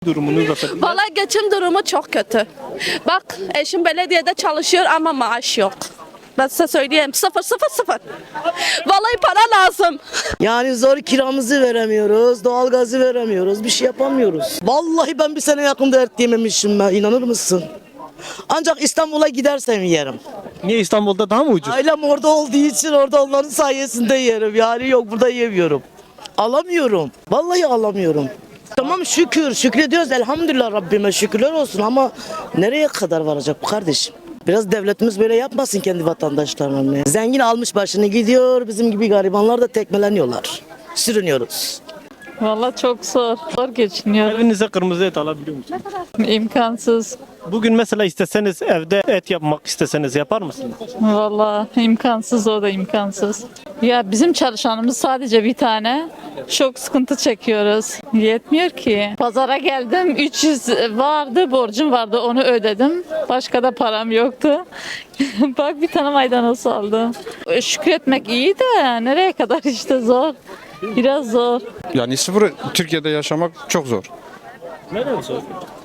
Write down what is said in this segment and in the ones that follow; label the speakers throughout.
Speaker 1: Durumunuz nasıl?
Speaker 2: Valla geçim durumu çok kötü. Bak eşim belediyede çalışıyor ama maaş yok. Ben size söyleyeyim sıfır sıfır sıfır. Vallahi para lazım.
Speaker 3: Yani zor kiramızı veremiyoruz, doğalgazı veremiyoruz, bir şey yapamıyoruz. Vallahi ben bir sene yakında et yememişim ben, inanır mısın? Ancak İstanbul'a gidersem yerim.
Speaker 1: Niye İstanbul'da daha mı ucuz?
Speaker 3: Ailem orada olduğu için orada onların sayesinde yerim. Yani yok burada yemiyorum. Alamıyorum. Vallahi alamıyorum. Tamam şükür, şükrediyoruz elhamdülillah Rabbime şükürler olsun ama nereye kadar varacak bu kardeşim? Biraz devletimiz böyle yapmasın kendi vatandaşlarına. Zengin almış başını gidiyor, bizim gibi garibanlar da tekmeleniyorlar. Sürünüyoruz.
Speaker 4: Vallahi çok zor. Zor geçiniyorum.
Speaker 1: Evinize kırmızı et alabiliyor musunuz?
Speaker 4: İmkansız.
Speaker 1: Bugün mesela isteseniz evde et yapmak isteseniz yapar mısınız?
Speaker 4: Vallahi imkansız, o da imkansız. Ya bizim çalışanımız sadece bir tane. Çok sıkıntı çekiyoruz. Yetmiyor ki. Pazara geldim 300 vardı, borcum vardı, onu ödedim. Başka da param yoktu. Bak bir tane maydanoz aldım. Şükretmek iyi de nereye kadar işte zor. Biraz zor.
Speaker 5: Yani sıfır Türkiye'de yaşamak çok zor.
Speaker 1: Neden zor?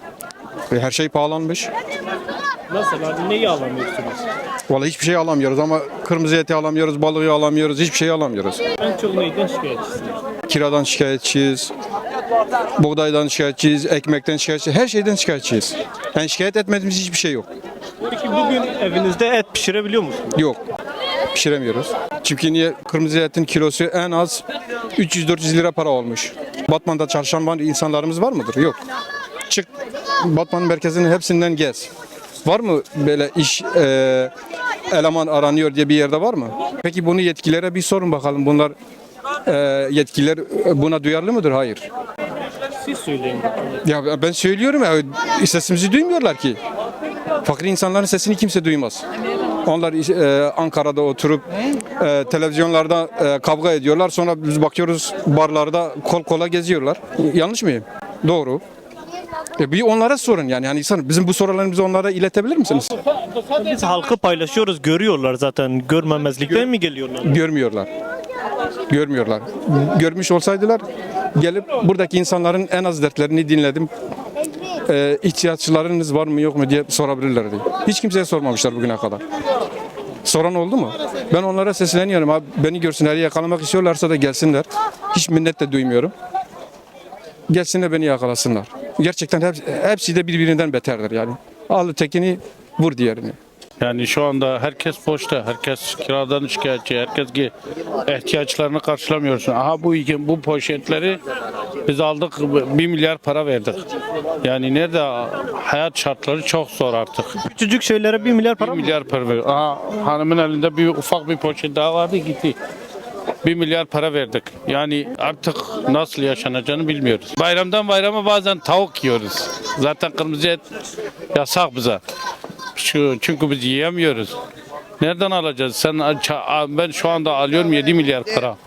Speaker 5: Her şey pahalanmış.
Speaker 1: Mesela neyi alamıyorsunuz?
Speaker 5: Vallahi hiçbir şey alamıyoruz ama kırmızı eti alamıyoruz, balığı alamıyoruz, hiçbir şey alamıyoruz.
Speaker 1: En çok neyden şikayetçisiniz?
Speaker 5: Kiradan şikayetçiyiz, buğdaydan şikayetçiyiz, ekmekten şikayetçiyiz, her şeyden şikayetçiyiz. Yani şikayet etmediğimiz hiçbir şey yok.
Speaker 1: Peki bugün evinizde et pişirebiliyor musunuz?
Speaker 5: Yok, pişiremiyoruz. Çünkü niye? Kırmızı etin kilosu en az 300-400 lira para olmuş. Batman'da çalışan insanlarımız var mıdır? Yok. Çık Batman merkezinin hepsinden gez. Var mı böyle iş eleman aranıyor diye bir yerde var mı? Peki bunu yetkililere bir sorun bakalım. Bunlar yetkililer buna duyarlı mıdır? Hayır.
Speaker 1: Siz söyleyin bakalım.
Speaker 5: Ya ben söylüyorum ya sesimizi duymuyorlar ki. Fakir insanların sesini kimse duymaz. Onlar Ankara'da oturup televizyonlarda kavga ediyorlar. Sonra biz bakıyoruz barlarda kol kola geziyorlar. Yanlış mıyım? Doğru. Bir onlara sorun yani. Yani insan bizim bu sorularımızı onlara iletebilir misiniz?
Speaker 1: Biz halkı paylaşıyoruz, görüyorlar zaten. Görmemezlikten mi geliyorlar?
Speaker 5: Görmüyorlar. Görmüyorlar. Görmüş olsaydılar gelip buradaki insanların en az dertlerini dinledim. İhtiyaçlarınız var mı yok mu diye sorabilirlerdi. Hiç kimseye sormamışlar bugüne kadar. Soran oldu mu? Ben onlara sesleniyorum. Abi, beni görsünler, yakalamak istiyorlarsa da gelsinler. Hiç minnet de duymuyorum. Gelsinler beni yakalasınlar. Gerçekten hepsi de birbirinden beterdir yani. Al tekini vur diğerini.
Speaker 6: Yani şu anda herkes boşta, herkes kiradan şikayetçi, herkes ki ihtiyaçlarını karşılamıyorsun. Aha bu poşetleri biz aldık 1 milyar para verdik. Yani nerede hayat şartları çok zor artık.
Speaker 1: Küçücük şeylere 1 milyar para
Speaker 6: 1
Speaker 1: mı?
Speaker 6: milyar para verdik. Aha hanımın elinde bir ufak bir poşet daha vardı gitti. 1 milyar para verdik. Yani artık nasıl yaşanacağını bilmiyoruz. Bayramdan bayrama bazen tavuk yiyoruz. Zaten kırmızı et yasak bize. Çünkü biz yiyemiyoruz. Nereden alacağız? Ben şu anda alıyorum 7 milyar para.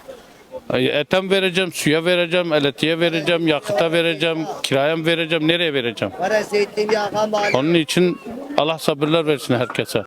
Speaker 6: Etem vereceğim, suya vereceğim, elektriğe vereceğim, yakıta vereceğim, kiraya mı vereceğim, nereye vereceğim? Onun için Allah sabırlar versin herkese.